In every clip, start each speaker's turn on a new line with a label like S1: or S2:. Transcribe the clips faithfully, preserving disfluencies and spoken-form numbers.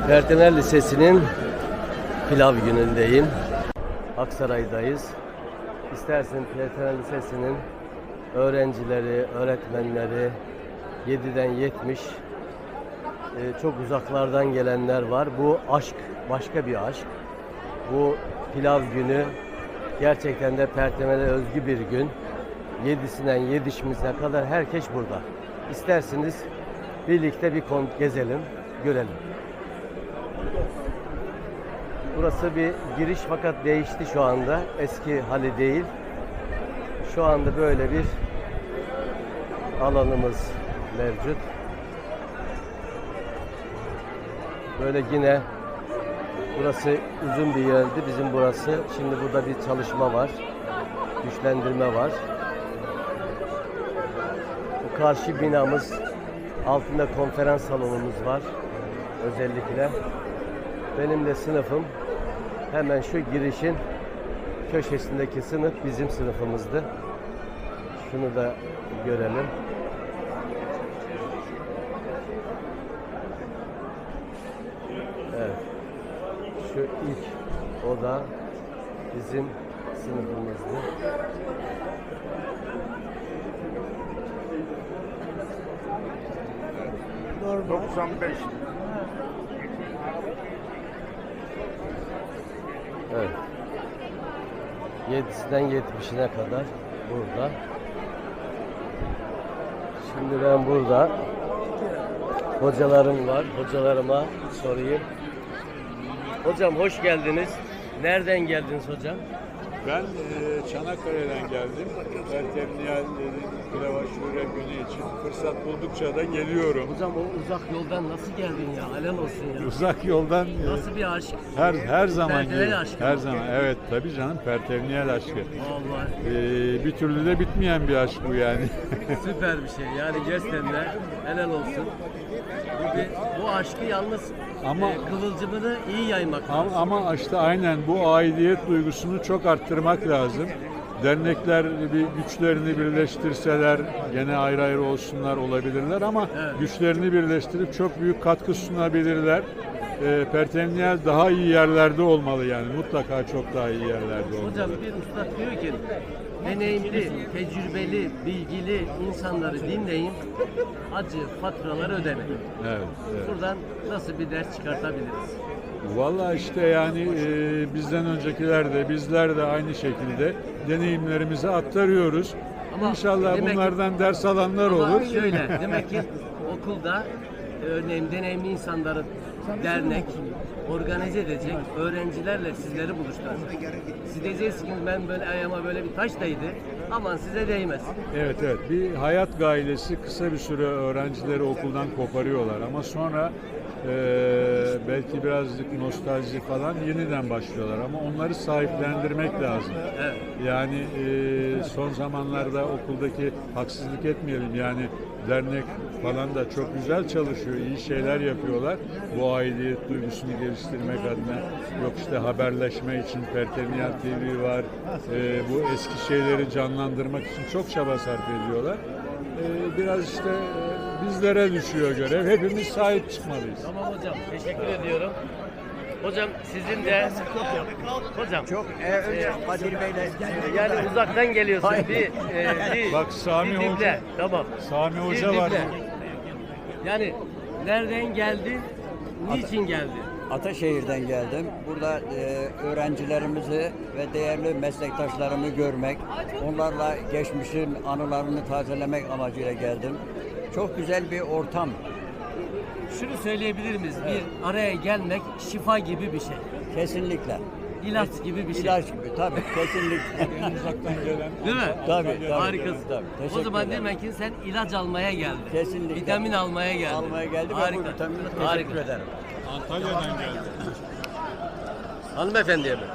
S1: Pertener Lisesi'nin pilav günündeyim. Aksaray'dayız. İstersen Pertener Lisesi'nin öğrencileri, öğretmenleri yediden yetmiş e, çok uzaklardan gelenler var. Bu aşk, başka bir aşk. Bu pilav günü gerçekten de Pertener'e özgü bir gün. Yedisinden yetmişine kadar herkes burada. İsterseniz birlikte bir kon gezelim, görelim. Burası bir giriş fakat değişti şu anda. Eski hali değil. Şu anda böyle bir alanımız mevcut. Böyle yine burası uzun bir yerdi bizim burası. Şimdi burada bir çalışma var. Güçlendirme var. Bu karşı binamız, altında konferans salonumuz var. Özellikle. Benim de sınıfım hemen şu girişin köşesindeki sınıf bizim sınıfımızdı. Şunu da görelim. Evet. Şu ilk oda bizim sınıfımızdı.
S2: doksan beş.
S1: Evet. yedisinden yetmişine kadar burada. Şimdi ben burada hocalarım var. Hocalarıma sorayım. Hocam hoş geldiniz. Nereden geldiniz hocam?
S2: Ben e, Çanakkale'den geldim. Pertemniyel Pilava Şure günü için fırsat buldukça da geliyorum.
S1: Hocam o uzak yoldan nasıl geldin ya? Helal olsun ya.
S2: Uzak yoldan e,
S1: Nasıl bir aşk?
S2: her her zaman
S1: Pertemniyel
S2: geliyorum.
S1: aşkı
S2: Her
S1: mı?
S2: zaman. Evet tabii canım, Pertemniyel aşkı.
S1: Vallahi
S2: E, bir türlü de bitmeyen bir aşk bu yani.
S1: süper bir şey. Yani gerçekten de helal olsun. Bu, bir, bu aşkı yalnız
S2: Ama-
S1: e, kıvılcımını iyi yaymak lazım.
S2: Ama, ama işte aynen bu aidiyet duygusunu çok arttırmak lazım. Dernekler bir güçlerini birleştirseler, gene ayrı ayrı olsunlar olabilirler ama
S1: Evet.
S2: güçlerini birleştirip çok büyük katkı sunabilirler. E, Pertemniyel daha iyi yerlerde olmalı yani, mutlaka çok daha iyi yerlerde olmalı.
S1: Hocam bir usta diyor ki deneyimli, tecrübeli, bilgili insanları dinleyin, acı faturaları ödemeyin.
S2: Evet, evet.
S1: Buradan nasıl bir ders çıkartabiliriz?
S2: Vallahi işte yani e, bizden öncekiler de bizler de aynı şekilde deneyimlerimizi aktarıyoruz.
S1: Ama
S2: İnşallah
S1: demek ki-
S2: bunlardan ders alanlar
S1: Ama
S2: olur.
S1: şöyle, demek ki okulda örneğin deneyimli insanları dernek organize edecek, öğrencilerle sizleri buluşturacak. Siz diyeceksiniz ki ben böyle ayağıma böyle bir taş değdi, aman size değmez.
S2: Evet evet, bir hayat gailesi kısa bir süre öğrencileri okuldan koparıyorlar ama sonra e, belki birazcık nostalji falan yeniden başlıyorlar ama onları sahiplendirmek lazım.
S1: Evet.
S2: Yani e, son zamanlarda okuldaki, haksızlık etmeyelim yani, dernek falan da çok güzel çalışıyor, iyi şeyler yapıyorlar. Bu aidiyet duygusunu geliştirmek adına, yok işte haberleşme için Pertemniyel T V var, e, bu eski şeyleri canlandırmak için çok çaba sarf ediyorlar. E, biraz işte e, bizlere düşüyor görev, hepimiz sahip çıkmalıyız.
S1: Tamam hocam, teşekkür ediyorum. Hocam sizin de hocam
S3: Çok e, önce Kadir Bey'le
S1: yani uzaktan geliyorsun bir, e, bir
S2: Bak Sami
S1: bir
S2: Hoca-
S1: dinle. Tamam.
S2: Sami
S1: Bir
S2: Hoca var.
S1: dinle. Yani nereden geldi? Niçin geldi?
S3: Ataşehir'den geldim. Burada e, öğrencilerimizi ve değerli meslektaşlarımı görmek, onlarla geçmişin anılarını tazelemek amacıyla geldim. Çok güzel bir ortam.
S1: Şunu söyleyebilir miyiz? Bir araya gelmek şifa gibi bir şey.
S3: Kesinlikle.
S1: İlaç gibi bir şey.
S3: İlaç gibi tabii, kesinlikle.
S2: En uzaktan gelen.
S1: Değil mi?
S3: Tabii, tabii.
S1: Harikasın.
S3: Tabii, teşekkür
S1: O zaman
S3: ederim.
S1: demek ki sen ilaç almaya geldin.
S3: Kesinlikle.
S1: Vitamin almaya geldin.
S3: Almaya geldim ve
S1: Harika.
S3: bu vitamini teşekkür
S1: Harika.
S3: ederim.
S2: Antalya'dan geldi.
S1: Hanımefendiye mi?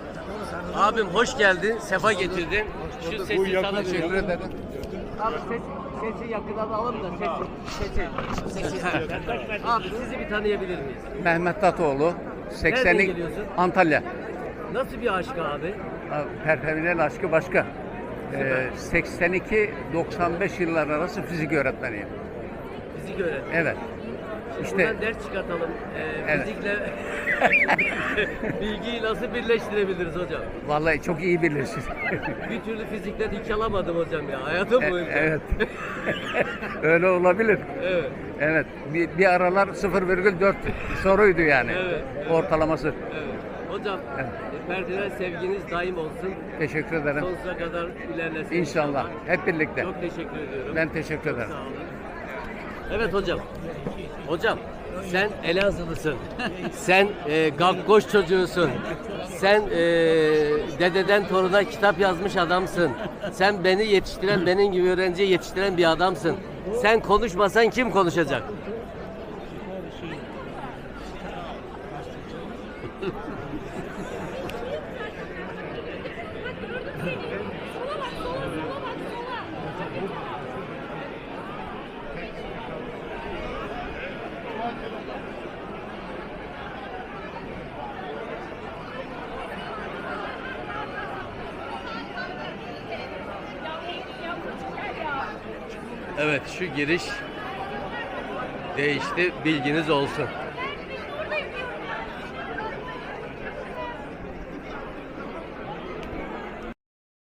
S1: Abim hoş geldin, sefa getirdin. Şu
S2: Bu
S1: sesi
S2: yakın
S1: sana
S2: teşekkür
S1: ederim. Abi ses, sesi yakından alalım da sesi. Sesi. sesi. Abi sizi bir tanıyabilir miyiz?
S4: Mehmet Tatoğlu,
S1: Nereden
S4: seksenlik
S1: geliyorsun?
S4: Antalya.
S1: Nasıl bir aşk abi?
S4: Perpeminel aşkı başka. Ee, seksen iki doksan beş yıllar arası fizik öğretmeniyim.
S1: Fizik öğretmeni.
S4: Evet. İşte-
S1: Buradan ders çıkartalım. Ee,
S4: Evet.
S1: Fizikle bilgiyi nasıl birleştirebiliriz hocam?
S4: Vallahi çok iyi bilirsin.
S1: Bir türlü fizikten hiç alamadım hocam ya. Hayatım
S4: E-
S1: boyunca.
S4: evet. Öyle olabilir.
S1: Evet.
S4: Evet. Bir, bir aralar sıfır virgül dört soruydu yani.
S1: Evet, evet.
S4: Ortalaması.
S1: Evet. Hocam,
S4: Evet.
S1: e, Ferdinand sevginiz daim olsun.
S4: Teşekkür ederim.
S1: Sonsuza kadar ilerlesin.
S4: İnşallah. Hep birlikte.
S1: Çok teşekkür ediyorum.
S4: Ben teşekkür ederim.
S1: Sağ olun. Evet hocam. Hocam sen Elazığlısın. Sen e, Gakkoş çocuğusun. Sen e, dededen toruna kitap yazmış adamsın. Sen beni yetiştiren, benim gibi öğrenciyi yetiştiren bir adamsın. Sen konuşmasan kim konuşacak? Evet, şu giriş değişti, bilginiz olsun.